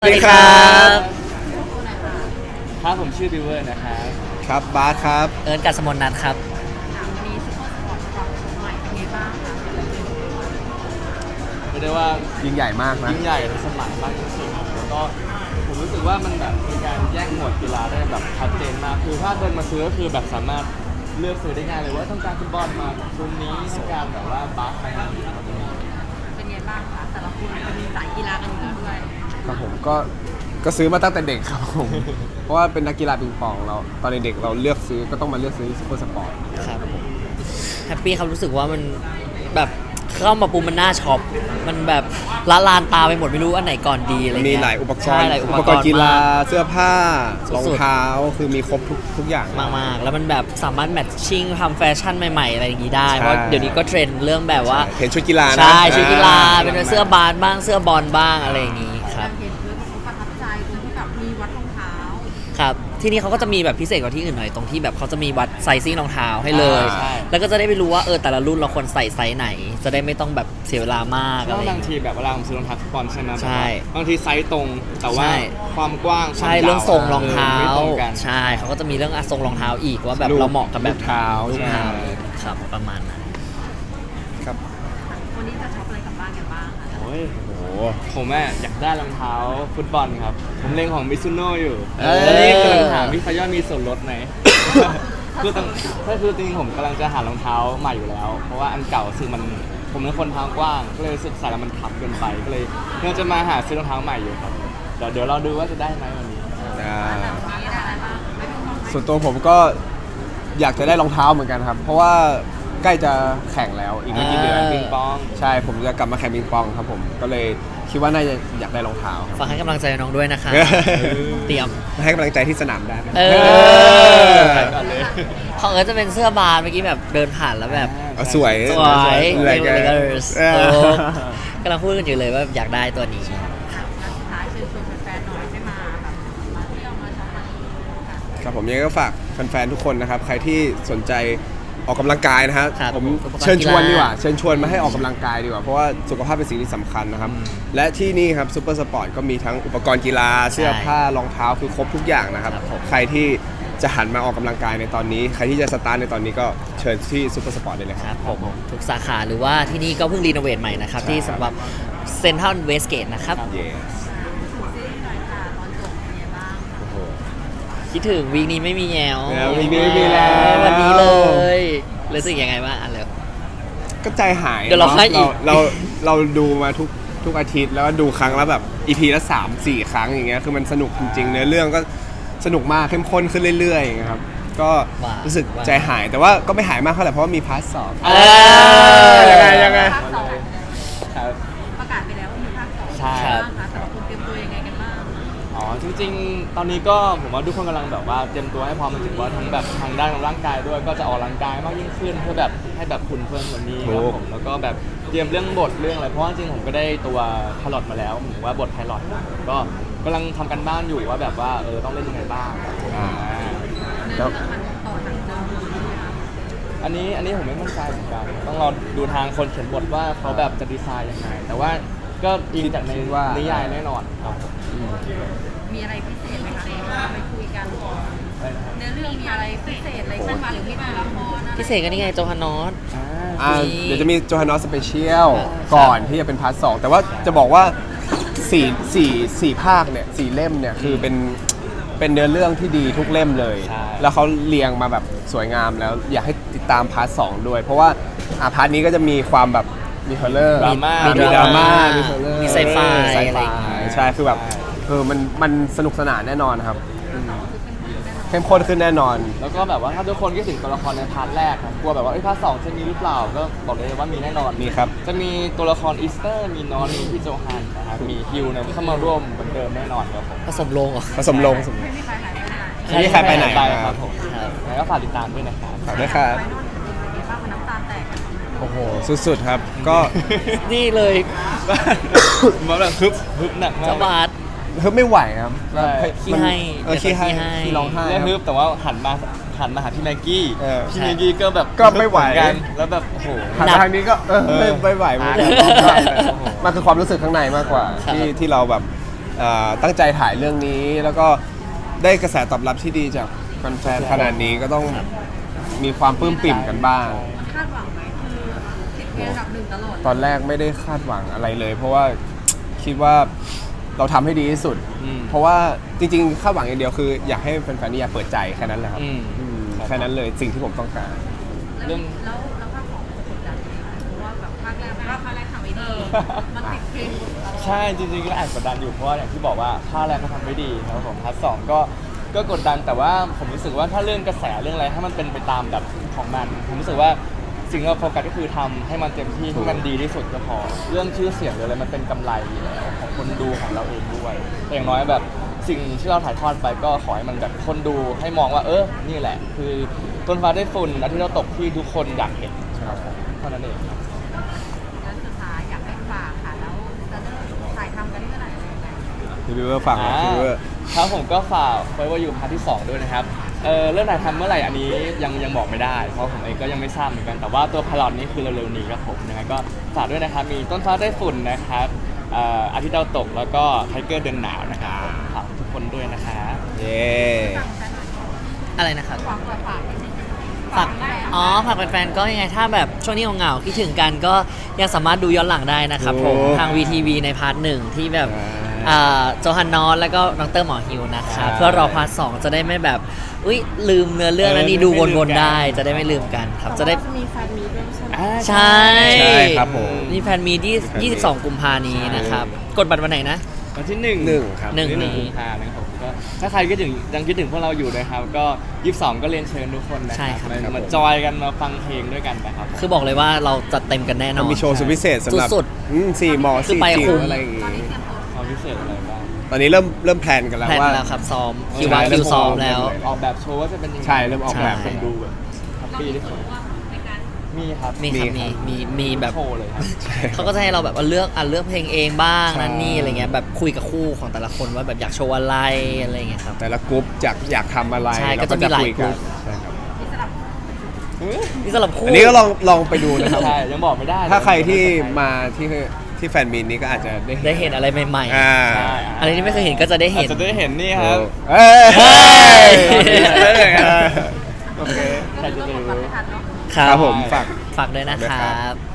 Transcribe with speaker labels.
Speaker 1: สวัสดีครับ
Speaker 2: ครับผมชื่อบิวเวอร์นะครับ
Speaker 3: ครับบาสครับ
Speaker 1: เอิร์นกัสมนนัทครับ
Speaker 4: วันนี้ซุปเปอร์สปอร์ตปรับใหม่เป็นไงบ้างคะ
Speaker 2: ไม่ได้ว่า
Speaker 3: ยิ่งใหญ่มากนะ
Speaker 2: ยิ่งใหญ่ในสมัยมากจริงๆแล้วก็ผมรู้สึกว่ามันแบบมีการแยกหมวดกีฬาได้แบบชัดเจนมากคือถ้าเดินมาซื้อก็คือแบบสามารถเลือกซื้อได้ง่ายเลยว่าต้องการฟุตบอลมาชุดนี้ต้องการแบบว่าบาสมาเราจะมี
Speaker 4: เป็นไงบ้างคะแต่ละคนเป็นสายกีฬากันอยู่แล้วด้วย
Speaker 3: ครับผมก็ซื้อมาตั้งแต่เด็กครับผม เพราะว่าเป็นนักกีฬาปิงปองเราตอนเด็กๆเราเลือกซื้อก็ต้องมาเลือกซื้อซุปเปอร์สปอร์ต
Speaker 1: ครับแฮปปี้ครับรู้สึกว่ามันแบบเข้ามาปุ๊บมันน่าช็อปมันแบบละลานตาไปหมดไม่รู้อันไหนก่อนดีอะไรเงี้ย
Speaker 3: มีหลายอุปก
Speaker 1: ใช่
Speaker 3: รณ์
Speaker 1: หลายอุปกรณ์
Speaker 3: กีฬาม
Speaker 1: าก
Speaker 3: เสื้อผ้า
Speaker 1: สุดๆ
Speaker 3: รองเท้าคือมีครบทุกอย่าง
Speaker 1: มากๆแล้วมันแบบสามารถแมทชิ่งทำแฟชั่นใหม่ๆอะไรอย่างงี้ได้
Speaker 3: ใช่
Speaker 1: เพราะเดี๋ยวนี้ก็เทรนด์เรื่องแบบว่า
Speaker 3: เห็นชุดกีฬานะ
Speaker 1: ใช่ชุดกีฬาเป็นเสื้อบาสบ้างเสื้อบอลบ้างอะไรอย่างงี้ครับ
Speaker 4: เห็นด้วยเขาประทับใจตรงที่แบบมีวัดรองเท้า
Speaker 1: ครับที่นี่เขาก็จะมีแบบพิเศษกว่าที่อื่นหน่อยตรงที่แบบเขาจะมีวัดไซซิ่งรองเท้าให้เลย
Speaker 2: ใช่
Speaker 1: แล้วก็จะได้ไปรู้ว่าแต่ละรุ่นเราควรใส่ไซส์ไหน จะได้ไม่ต้องแบบเสียเวลามาก
Speaker 2: เพ
Speaker 1: อะไร
Speaker 2: ราะ
Speaker 1: อย่าง
Speaker 2: บาง
Speaker 1: เงี้ย
Speaker 2: ทีแบบเวลาผมซื้อรองเท้าฟุตบอลใช่ไหม
Speaker 1: ใช่
Speaker 2: บางทีไซส์ตรงแต่ว่า
Speaker 1: ใช่
Speaker 2: ความกว้าง
Speaker 1: ใช่
Speaker 2: ความยาว
Speaker 1: เรื่องทรงรองเท้า
Speaker 2: ไม่ตรงกัน
Speaker 1: ใช่เขาก็จะมีเรื่องทรงรองเท้าอีกว่าแบบ
Speaker 3: รูป
Speaker 1: เราเหมาะกับแบบ
Speaker 3: รูปเท้า
Speaker 1: รูปเท้า
Speaker 3: ใช่
Speaker 1: ครับประมาณนั้น
Speaker 3: ครับ
Speaker 4: วันนี้จะช็อปอะไรกลับบ้านกันบ้างคะ
Speaker 2: โอ้ย
Speaker 3: โอ้โห
Speaker 2: ผมอยากได้รองเท้าฟุตบอลครับ ผมเล็งของมิซูโน่อยู่
Speaker 3: เอ้ย
Speaker 2: แล้วนี่กำลังถามพี่ขย้อนมีส่วนลดไหม คือตอนคือจริงๆผมกำลังจะหารองเท้าใหม่อยู่แล้ว เพราะว่าอันเก่าซึ่งมันผมเป็นคนเท้ากว้าง ก็เลยรู้สึกใส่แล้วมันพับเกินไปก็เลยเราจะมาหาซื้อรองเท้าใหม่อยู่ครับเดี๋ยวเราดูว่าจะได้ไหมวันนี้
Speaker 3: อ่า
Speaker 4: วันนี้ได้อะไรบ้างไม่รู้ของ
Speaker 3: ส่วนตัวผมก็อยากจะได้รองเท้าเหมือนกันครับ เพราะว่าใกล้จะแข่งแล้วอีกไม่กี่เดือน
Speaker 1: อ่า
Speaker 2: ปิงปอง
Speaker 3: ใช่ผมจะกลับมาแข่งปิงปองครับผมก็เลยคิดว่าน่าจะอยากได้รองเท้าครับ
Speaker 1: ฝากให้กำลังใจน้องด้วยนะคะ เตรียม
Speaker 3: ให้กำลังใจที่สนามได้
Speaker 1: เออ
Speaker 2: ไปก่อนเลย
Speaker 1: ของเอิร์ธจะเป็นเสื้อบาสเมื่อกี้แบบเดินผ่านแล้วแบบ
Speaker 3: เอาสวย
Speaker 1: สวย
Speaker 3: อะไร
Speaker 1: เล
Speaker 3: กัน
Speaker 1: เกอร์ส
Speaker 3: เออ
Speaker 1: กำลังพูดกันอยู่เลยว่าอยากได้ตัวนี้
Speaker 4: สุดท้ายเชิญชวนแฟนๆหน่อยให้มาแบบมาเที่ยวมาช็อปมา
Speaker 3: ครับผมยังไงก็ฝากแฟนๆทุกคนนะครับ ใครที่สนใจออกกำลังกายนะครับ
Speaker 1: ครับ
Speaker 3: ผม
Speaker 1: อุปกรณ์
Speaker 3: เชิญชวน
Speaker 1: กีฬา
Speaker 3: ดีกว่าเชิญชวนมาให้ออกกำลังกายดีกว่าเพราะว่าสุขภาพเป็นสิ่งที่สำคัญนะครับ และที่นี่ครับซูเปอร์สปอร์ตก็มีทั้งอุปกรณ์กีฬาเสื้อผ้ารองเท้าคือครบทุกอย่างนะครับ
Speaker 1: ครับผม
Speaker 3: ใครที่จะหันมาออกกำลังกายในตอนนี้ ใครที่จะสตาร์ทในตอนนี้ก็เชิญที่ซูเปอร์สปอร์ตได้เลย
Speaker 1: ค
Speaker 3: ค
Speaker 1: รั
Speaker 3: รั
Speaker 1: บบ ผมทุกสาขาหรือว่าที่นี่ก็เพิ่งรีโนเวทใหม่นะครับ
Speaker 3: ใช่
Speaker 1: ที่สำหรับเซ็นทรัลเวสเกตนะครับ
Speaker 3: เย้
Speaker 4: ซีรีส์หน่อยค่ะตอนจบเป็นไงบ้าง
Speaker 3: โอ้โห
Speaker 1: คิดถึงวีคนี้ไม่มีแยว
Speaker 3: วีคนี้ไม่มีแล้ว
Speaker 1: วันนี้เลยรู้สึกยังไงบ้างอ่ะเลย
Speaker 3: ก็ใจหาย
Speaker 1: เดี๋ยวเราให้อีก
Speaker 3: เราดูมาทุกอาทิตย์แล้วก็ดูครั้งละแบบ EP ละ3-4 ครั้งอย่างเงี้ยคือมันสนุกจริงๆเนื้อเรื่องก็สนุกมากเข้มข้นขึ้นเรื่อยๆอย่างเงี้ยครับก็รู้สึกใจหายแต่ว่าก็ไม่หายมากเท่าไหร่เพราะว่ามีพาร์ทสอง
Speaker 1: เออ
Speaker 3: ยังไง
Speaker 4: ภาคสอง
Speaker 2: ครับ
Speaker 4: ประกาศไปแล้วว่ามีภาคสอง
Speaker 2: ใช่
Speaker 4: บ้างคะแต่ละคนเตรียมตัวยังไงกันบ้าง
Speaker 2: อ๋อจริงๆ ตอนนี้ก็ผมว่าทุกคนกำลังแบบว่าเตรียมตัวให้พร้อมหมายถึงว่าทั้งแบบทางด้านของร่างกายด้วยก็จะออกกำลังกายมากยิ่งขึ้นเพื่อแบบให้แบบคุณเพิ่มกว่านี้ครับผมแล้วก็แบบเตรียมเรื่องบทเรื่องอะไรเพราะว่าจริงๆผมก็ได้ตัวพลอตมาแล้วผมว่าบทไพลอตมาก็กำลังทำกันบ้านอยู่ว่าแบบว่าต้องเล่นยังไงบ้าง
Speaker 4: เนื้อเรื่องมันต่อจากเดิมเลยไหมคะ
Speaker 2: อันนี้ผมไม่มั่นใจเหมือนกันต้องรอดูทางคนเขียนบทว่าเขาแบบจะดีไซน์ยังไงแต่ว่าก็อิงจากในนิยายแน่นอนครับ
Speaker 4: มีอะไรพิเศษไหมคะเราไปคุยกันเนื้อเรื่องมีอะไรพิเศษอะไรขึ้นมาหรือมีตัวละครอะไร
Speaker 1: พิเศษก็นี่ไงโจฮานอส
Speaker 3: เดี๋ยวจะมีโจฮานอสสเปเชียลก่อนที่จะเป็นพาร์ทสองแต่ว่าจะบอกว่าสี่ภาคเนี่ย4 เล่มเนี่ยคือเป็นเนื้อเรื่องที่ดีทุกเล่มเลย
Speaker 2: ใช่
Speaker 3: แล้วเขาเรียงมาแบบสวยงามแล้วอยากให้ติดตามพาร์ทสองด้วย เพราะว่าพาร์ทนี้ก็จะมีความแบบมีฮอลเลอร์
Speaker 2: ดราม่า
Speaker 3: มีดราม่ามีฮอลเลอร์
Speaker 1: มีไซไฟ
Speaker 3: ไซ
Speaker 1: อะไร
Speaker 3: ไฟ
Speaker 1: อย่างเงี้ย
Speaker 3: ใช่คือแบบมันสนุกสนานแน่นอนครับเข้มข้นขึ้นแน่นอน
Speaker 2: แล้วก็แบบว่าถ้าทุกคนคิดถึงตัวละครในพาร์ทแรกครับกลัวแบบว่าพาร์ทสองจะมีหรือเปล่าก็บอกเลยว่ามีแน่นอน
Speaker 3: มีครับ
Speaker 2: จะมีตัวละครอีสเตอร์มีนอนมีพี่โจฮันนะครับมีฮิวเนี่ยเข้ามาร่วมเหมือนเดิมแน่นอนครับผม
Speaker 1: ผสมลงเหรอ
Speaker 3: ผสมลง
Speaker 4: ไม่มีใครหายไปไหน
Speaker 3: ไม่มีใครไปไหน
Speaker 2: ไปครับผม
Speaker 1: ครับ
Speaker 2: แล้วก็ฝากติดตามด้วยนะครับ
Speaker 3: ฝากด้วยครับ
Speaker 4: ไปโน่นเป็นไงบ้างมันน้ำตาแตกกัน
Speaker 3: โอ้โหสุดๆครับก็
Speaker 1: นี่เลย
Speaker 2: มาแบบฮึบหนักมาก
Speaker 1: เจ้าบาส
Speaker 3: เฮ้ยไม่ไหวครับ
Speaker 2: ใช่
Speaker 1: ขี้ให้
Speaker 3: ขี้ให้
Speaker 1: ขี้ให้
Speaker 3: ขี้ร้องไห้
Speaker 2: เรื่อง
Speaker 3: ครับ
Speaker 2: ฮึบแต่ว่าหันมาหาพี่แม็กกี้
Speaker 3: เออ
Speaker 2: พี่แม็กกี้ก็แบบ
Speaker 3: ก็ไม่ไหว
Speaker 2: เอนกันแล้วแบบโอ้โห
Speaker 3: หันมาทางนี้ก็ไม่ไหวเหมือนกัน
Speaker 2: โอ้โห
Speaker 3: มันคือความรู้สึกข้างในมากกว่า
Speaker 1: ครับ
Speaker 3: ที่เราแบบตั้งใจถ่ายเรื่องนี้ แล้วก็ได้กระแสตอบรับที่ดีจากแฟนๆขนาดนี้ก็ต้องมีความปลื้มปิ่มกันบ้าง
Speaker 4: มันคาดหวังไหมคือติดเทรนด์อันดับหนึ่งตลอด
Speaker 3: ตอนแรกไม่ได้คาดหวังอะไรเลย เพราะว่าคิดว่าเราทำให้ดีที่สุด เพราะว่าจริงๆคาดหวังอย่างเดียวคืออยากให้แฟนๆนิยายเปิดใจแค่นั้นแหละครับ
Speaker 2: อืม
Speaker 3: แค่นั้นเลยสิ่งที่ผมต้องการ
Speaker 2: เรื่อง
Speaker 4: แล้วภาคสองจะกดดันไหมเพราะว่าแบบภาคแรกทำไม่ดีมันติดเทรนด์ตลอด
Speaker 2: ใช่จริงๆก็แอบกดดันอยู่เพราะว่าอย่างที่บอกว่าภาคแรกก็ทำไม่ดีครับผมพาร์ทสองก็กดดันแต่ว่าผมรู้สึกว่าถ้าเรื่องกระแสเรื่องอะไรถ้ามันเป็นไปตามแบบของมันผมรู้สึกว่าสิ่งที่เราโฟกัสก็คือทำให้มันเต็มที่ให้มันดีที่สุดก็พอเรื่องชื่อเสียงหรืออะไรมันเป็นกำไรอยู่แล้วของคนดูของเราเองด้วยแต่อย่างน้อยแบบสิ่งที่เราถ่ายทอดไปก็ขอให้มันแบบคนดูให้มองว่านี่แหละ คือต้นฟ้าได้ฝุ่นอาทิตย์เราตกที่ทุกคนอยากเห็นครับผมเท่านั้นเองครับ
Speaker 4: แล้วสุดท้ายอยากให้ฝากค่ะแล้วจะเริ่มถ่ายทำกันเมื่อไหร่อะไรยังไง
Speaker 3: พี่วิวเวอร์ฟังนะพี่วิวเวอร์
Speaker 2: ครับผมก็ฝากไว้ว่าอยู่พาร์ทที่ 2 ด้วยนะครับเริ่มถ่ายทำเมื่อไหร่อันนี้ยังบอกไม่ได้เพราะผมเองก็ยังไม่ทราบเหมือนกันแต่ว่าตัวพลอตนี้คือเร็วๆนี้ครับผมยังไงก็ฝากด้วยนะครับมีต้นฟ้าได้ฝุ่นนะครับอาทิตย์ดาวตกแล้วก็ไทเกอร์เดือนหนาวนะครับผมฝากทุกคนด้วยนะครับ
Speaker 3: เย้
Speaker 1: อะไรนะครับ
Speaker 4: ฝากฝากนิดนึง
Speaker 1: ฝากฝากแฟนๆก็ยังไงถ้าแบบช่วงนี้เหงาๆคิดถึงกันก็ยังสามารถดูย้อนหลังได้นะครับผมทาง VTV ในพาร์ทหนึ่งที่แบบโจฮันนอสแล้วก็ดรหมอฮิวนะครับเพื่อรอพาร์ทสองจะได้ไม่แบบอุ้ยลืมเนื้อเรื่องนั้นนี่ดูวนๆได้จะได้ไม่ลืมกันครับจะได้
Speaker 4: มีแฟนมีด้วยใช่ไหม
Speaker 1: ใช่
Speaker 3: ใช่ครับผม
Speaker 1: มีแฟนมี22 กุมภานี้นะครับกดบัตรวันไหนนะ
Speaker 2: วันที่
Speaker 3: 1 ครับ
Speaker 1: หนึ่ง
Speaker 2: ที่1กุมภาพันธ์นะครับผมก็ถ้าใครคิดถึงยังคิดถึงพวกเราอยู่นะครับก็22ก็เรียนเชิญทุกคนนะ
Speaker 1: ใช่
Speaker 2: ค
Speaker 1: ครั
Speaker 2: รับบ มาจอยกันมาฟังเพลงด้วยกันนะครับผม
Speaker 1: คือบอกเลยว่าเราจัดเต็มกันแน่นอน
Speaker 3: มีโชว์สุดพิเศษสำหรับ
Speaker 1: สุด
Speaker 3: สี่หมอ
Speaker 1: คือ
Speaker 3: สี่
Speaker 1: ไป
Speaker 3: จิ๋
Speaker 1: คุ้
Speaker 3: ว
Speaker 1: ม
Speaker 3: อะไรอย่างงี้
Speaker 2: ความพิเศษอะไรบ้าง
Speaker 3: ตอนนี้เริ่มแพลนกันแล้ว
Speaker 1: แพลน
Speaker 3: ว่า
Speaker 1: แล้วครับซ้อมคิว
Speaker 3: ใช่
Speaker 1: วางคิวซ้อม
Speaker 3: เริ่ม
Speaker 1: แล้ว
Speaker 2: ออกแบบโชว์ว่าจะเป็นยังไง
Speaker 3: ใช่เริ่มออกแบบ
Speaker 1: ใช่
Speaker 2: คนดูแบบแฮปปี้ที่สุดมีครับ
Speaker 1: มีครับ
Speaker 3: มี
Speaker 1: มีแบบ
Speaker 2: โชว์เลยครับ
Speaker 1: เขาก็จะให้เราแบบว่าเลือกเพลงเองบ้าง
Speaker 3: ใช่
Speaker 1: นั่นนี่อะไรเงี้ยแบบคุยกับคู่ของแต่ละคนว่าแบบอยากโชว์อะไรอะไรเงี้ยครับ
Speaker 3: แต่ละกรุ๊ปอยากทำอะไร
Speaker 1: ใช่
Speaker 3: เรา
Speaker 1: ก็จะมีหลาย
Speaker 3: คุ
Speaker 1: กรุ๊ป
Speaker 3: ใช่ครับ
Speaker 1: นี่สำหรับคู่
Speaker 3: อันนี้ก็ลองไปดูนะครับ
Speaker 2: ใช่ยังบอกไม่ได้
Speaker 3: ถ้าใครที่มาที่แฟนมีนนี้ก็อาจจะได้
Speaker 1: ได้เห็นอะไรใหม่
Speaker 3: อ่า
Speaker 2: ใช่
Speaker 1: ๆอะไรที่ไม่เคยเห็นก็จะได้
Speaker 2: อา
Speaker 1: เห็
Speaker 2: จ
Speaker 1: น
Speaker 2: จะได้เห็นนี่ครับ
Speaker 3: เอ้ย
Speaker 1: เฮ้ย
Speaker 3: โอเค
Speaker 2: ใครจะไปรู้
Speaker 1: ครั
Speaker 3: ครับ บผมฝาก
Speaker 1: ฝากด้วยนะครับ